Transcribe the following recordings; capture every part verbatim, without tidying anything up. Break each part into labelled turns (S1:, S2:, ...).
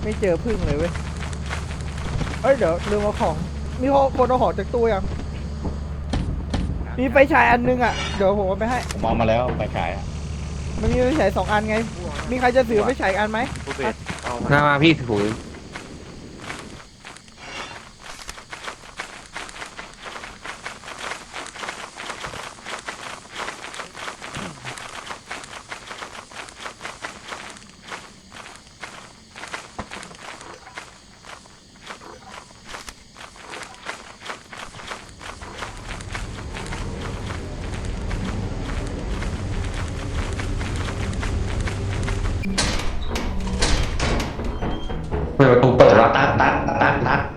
S1: ไม่เจอพึ่งเลยเว้ยเอ้ยเดี๋ยวลืมเอาของมีคนเอาของจากตู้ยังมีไฟฉายอันนึงอ่ะเดี๋ยวผมเอาไปให้
S2: มองมาแล้วไฟฉาย
S1: มันมีไฟฉายสองอันไงมีใครจะถือไฟฉายอันไหม
S3: มามาพี่ถือเปิดประตูเปิดแล้วตัดตัดตัดตัด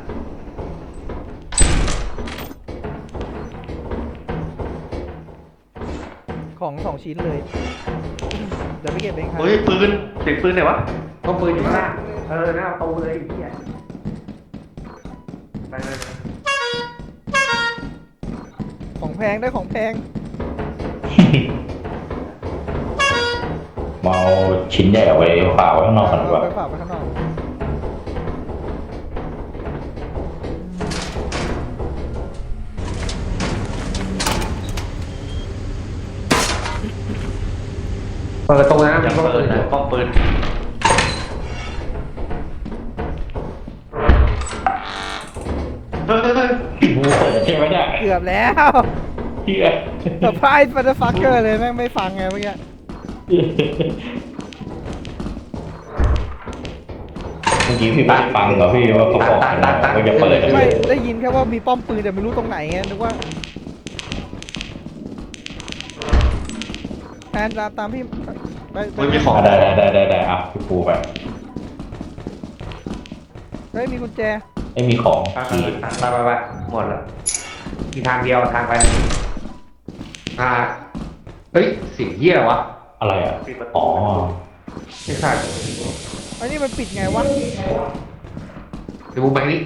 S1: ของสองชิ้นเลยเดี๋ยวไปเก็บเองครับ
S3: เฮ้ยปืนเสียงปืนไหนวะก็ปืนอยู่ข้างล่างเออหน้าประตูเลยไอ้เหี้ยไปเลย
S1: ของแพงได้ของแพง
S2: เมาชิ้นใหญ่เอาไว้ฝากไว้ข้างนอกก่อนดีกว่า
S1: ไปฝากไว้ข้างนอก
S3: เปิดประตูนะจะเปิดนะป้องปืนเฮ้ยเฮ้ยเฮ้ย
S2: บูเปิดใช่ไหมเนี่ย
S1: เกือบแล้ว
S2: เฮีย
S1: เซอร์ไพรส์ฟันเดอร์ฟักเกอร์เลยแม่งไม่ฟังไงเมื่อกี้
S2: เมื่อกี้พี่ไม่ฟังเหรอพี่ว่าเขาบอกว่าจะเปิด
S1: ไม่ได้ยินแค่ว่ามีป้อมปืนแต่ไม่รู้ตรงไหนไงนึกว่าแทนตามตามพี่ไป
S3: ไม่มีของ
S2: ได้ได้ได้ได้อ่ะพี่ปูไป
S1: เฮ้ยมีกุญแจ
S2: ไม่มีของ
S3: ที่ไปไปไปหมดแล้วมีทางเดียวทางไปอ่าเฮ้ยเสียงเหี้ยวะ
S2: อะไรอ่ะอ๋อ
S3: ไม่ใช่
S1: อันนี้มันปิดไงวะ
S3: ดูไปนี่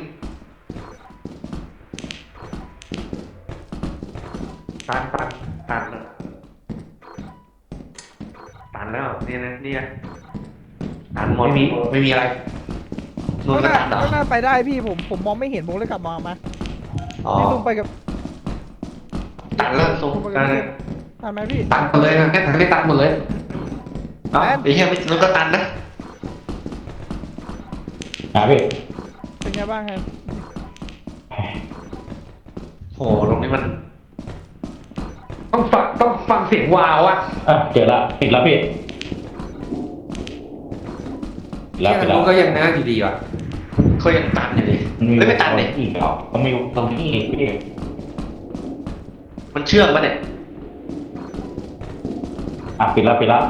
S3: ตันตันตันตันแล้วนี่นะนี่นะตันหมดไม่มีไม่มีอะไรนู่นก็ตันเหรอ
S1: ก็น่าไปได้พี่ผมผมมองไม่เห็นผมเลยกลับมามาพี่ตุ้มไปกับ
S3: ตันแล้วตุ้มตันเลย
S1: ตันไหมพี่
S3: ตันหมดเลยนะแค่ตันไม่ตันหมดเลยอ๋อไอ้เหี้ยไม่นู่นก็ตันนะ
S2: หาพี่
S1: เป็นไงบ้างครับ
S3: โหตรงนี้มันต้องฟังต้องฟังเสียงวาวอ่ะ
S2: อ่ะเจอละปิดแล้วพี่แล้วปิดแล้ว
S3: ก็ยังน่าอยู่ดีว่ะเขายังตันอยู่ดิไม่ไม่ตันเลย
S2: อีกเหรอมันมีตรงนี้พี่
S3: มันเชื่องปะเนี่ย
S2: อ่ะปิดแล้วปิดแล้ว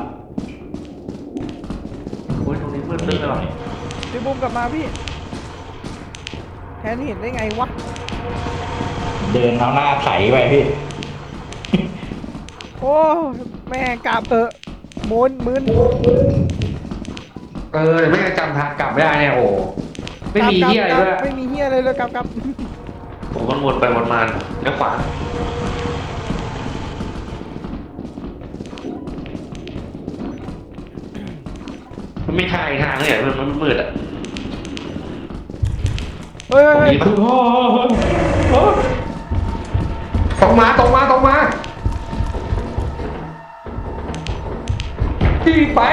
S3: โอ้ยตรงนี้มืดตึ๊บเลย
S1: พี่บุ้มกลับมาพี่แทนเห็นได้ไงวะ
S2: เดินเอาหน้าไถไปพี่
S1: โอ้แม่กลับเออมุนมึน
S3: เออไม่จำทางกลับไม่ได้เนี่ยโอ้ไม่มีเฮียอะไรด้วย
S1: ไม่มีเฮียอะไรเลยกลับกลับ
S3: ผมมันวนไปวนมาแล้วขวามันไม่ทางทางเลยมันมันมืดอ่ะ
S1: เฮ้ย
S3: ตรงมาตรงมาตรงมาที่ไป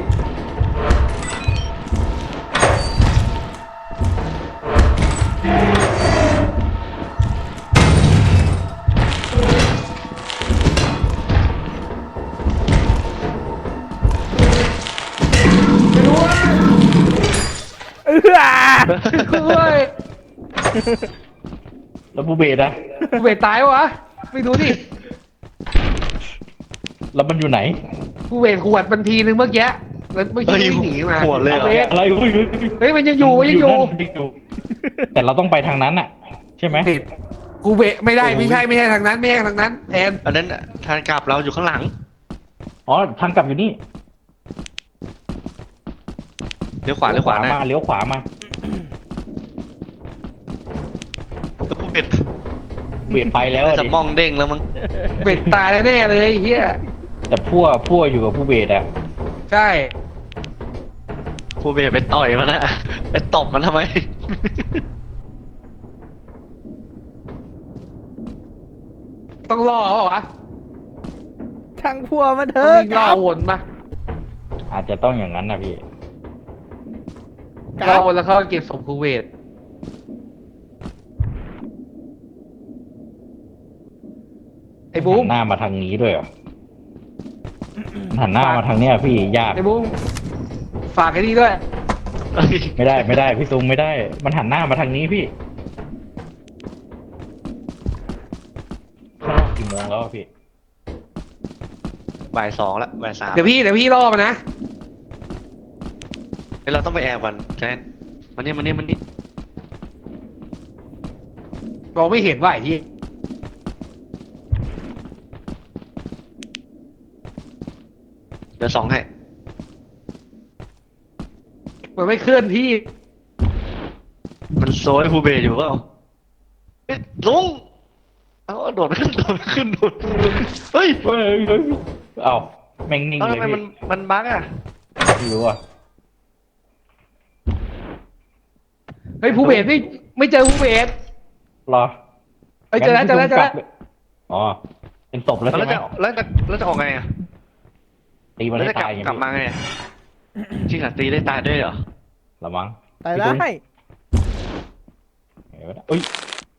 S1: เออ
S2: แล้วผู้เบสนะ
S1: ผู้เบสตายวะไปดูดิ
S2: แล้วมันอยู่ไหน
S1: ผู้เบสขวดบันทีนึงเมื่อกี้แล้วเมื่อกี้หนีมา
S3: ขวดเลย
S2: อะไร
S1: เฮ้ยมันยังอยู่ยังอยู่
S2: แต่เราต้องไปทางนั้นอ่ะใช่ไหม
S1: กูเบะไม่ได้ไม่ใช่ไม่ใช่ทางนั้นไม่ใช่ทางนั้นแทน
S3: อันนั้นทางกลับเราอยู่ข้างหลัง
S2: อ๋อทางกลับอยู่นี่
S3: เลี้ยวขวาเลี้ยวขวา
S2: มาเลี้ยวขวามา
S3: เบ็ด
S2: เบ็ดไปแล้ว
S3: จะมองเด้งแล้วมั้ง
S1: เบ็ดตายแน่เลยเฮีย
S2: แต่พั่วพั่วอยู่กับผู้เบ็ดอ่ะ
S1: ใช่
S4: ครูเบย์ไปต่อยมันนะไปตบมันทำไม
S3: ต้องล่อเขาเหรอวะ
S1: ช่างพัวมันเถ
S3: ต้อง
S1: อะ
S3: วิ่งล่อวนมา
S2: อาจจะต้องอย่างนั้นนะพี่
S1: ก
S3: ล่อ
S1: ราฟ
S3: วนแล้วเขาเก็บศพครูเวทไอ้บู
S2: หั
S3: ม
S2: นหน้ามาทางนี้ด้วยเหรอหันหน้ามาทางเนี้ยพี่ยาก
S3: ไอ้บูมฝากไอ้นี่ด้วย
S2: ไม่ได้ไม่ได้พี่ซุงไม่ได้ มันหันหน้ามาทางนี้พี่กี่โมงแล้วอะพี่
S4: บ่ายสองละบ่ายสาม
S3: เดี๋ยวพี่เดี๋ยวพี่ล่อมันนะ
S4: เดี๋ยวเราต้องไปแอบกันแทนมันนี่มันนี่มันนี่
S3: มองไม่เห็นว่าไอ้ที่
S4: เดี๋ยวสองให้
S3: มันไม่เคลื่อนที่
S4: มันโซยครูเบย์อยู่เปล่าเฮ้ยลุงเอาโดดขึ้นโดดขึ้นโดดเฮ้ย
S2: เฮ้ยเฮ้ยเอ้าแม่งนิ่ง
S4: เอ้า
S2: เล
S4: ทำ
S2: ย
S4: ไม
S2: พี่
S4: มันมันบั๊กอ่ะ
S2: ไม่รู้อ่ะ
S3: เฮ้ยภูเบศไม่ไม่เจอภูเบศ
S2: รอ
S3: เฮ้ยเจอแล้วเจอแล้วเจอแล้ว
S2: อ๋อเป็นศพแล้ว
S4: แล้ว
S2: ใช่ไหม
S4: จะแล้วจะแล้วจะออกไงอ่ะ
S2: ตีมัน
S4: แล้ว
S2: ให้
S4: จะกลั
S2: ตา
S4: บ
S2: ยอย่าง
S4: กลับมาไงอะจริงเหรอตีได้ตายด้วยเหรอ
S2: ละมั้ง
S1: ตายได้
S2: เห็นไหมเอ้ย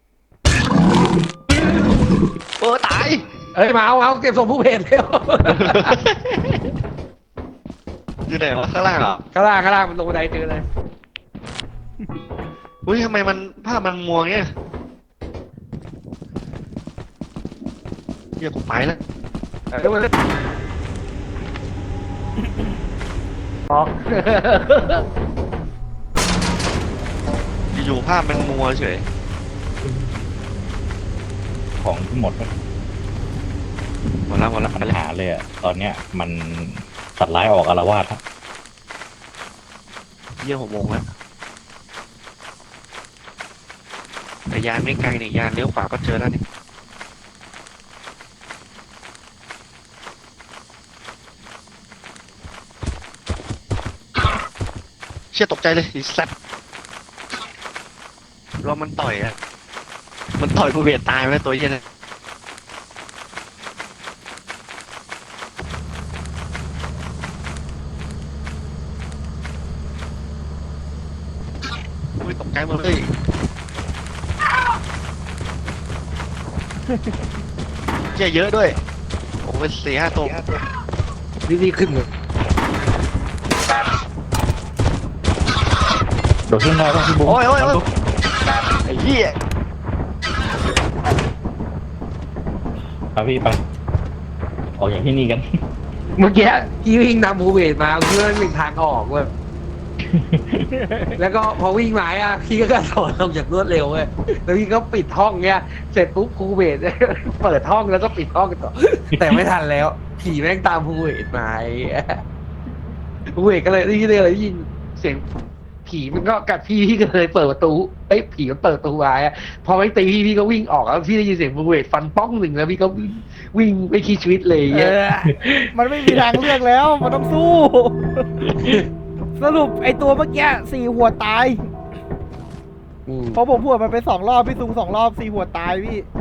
S4: เออตาย
S3: เฮ้ยมาเอาเอาเก็บศพภูเบศเร็ว
S4: อยู่ไหนวะข้างล่างเหรอ
S3: ข้างล่างข้างล่างมันลงบันไดเจอเลย
S4: อุ้ยทำไมมันภาพมันมัวเงี้ยเฮียกูไปแล้ว
S3: เร็วเลยออก
S4: อยู่ๆภาพมันมัวเฉย
S2: ของหมด
S4: หมดแล้วหมดแล้ว
S2: ปัญหาเลยอ่ะตอนเนี้ยมันสัตว์ร้ายออกอาละวาดครับ
S4: เยี่ยหกโมงแล้วแต่ยานไม่ไกลนี่ยานเลี้ยวขวาก็เจอแล้วนี่เชี่ยตกใจเลยไอีสัตว์รอมันต่อยอ่ะมันต่อยกูเบียดตายไปแล้วตัวเหี้ยเนี่ยอุ้ยตกใจหมดเลยเชี่ยเยอะด้วยโอ้เป็นสี่ห้าตัว
S3: นี่นี่ขึ้นเลย
S2: โดดขึ้นได้ป่ะพี่บุ๊ค
S4: โอ้ยโอ้ยโอ้ยไอ้เหี้ย
S2: ไปพี่ไปออกอย่างที่นี่กัน
S3: เมื่อกี้พี่วิ่งนำภูเบศมาเพื่อวิ่งทางออกเว้ยแล้วก็พอวิ่งมาอ่ะพี่ก็กระโดดลงจากรวดเร็วเว้ยแล้วพี่ก็ปิดห้องเงี้ยเสร็จปุ๊บภูเบศ เปิดห้องแล้วก็ปิดห้องต่อแต่ไม่ทันแล้ว ผีแม่งตามภูเบศมาไอ้เหี้ยภูเบศก็เลยได้ยินเลยได้ยินเสียงผีมันก็กัดพี่พี่ก็เลยเปิดประตูเอ้ยผีมันเปิดประตูไว้อะพอไม่ตีพี่พี่ก็วิ่งออกแล้วพี่ได้ยินเสียงภูเบศฟันป้องหนึ่งแล้วพี่ก็วิ่งวิ่งไม่คิดชีวิตเลย
S1: เอ
S3: เงี้ย
S1: อ มันไม่มีทางเลือกแล้ว มันต้องสู้ สรุปไอตัวเมื่อกี้สี่หัวตาย
S3: ม
S1: เพราะผมหัวดมันไปสองรอบพี่ซุงสองรอบสี่หัวตายพี่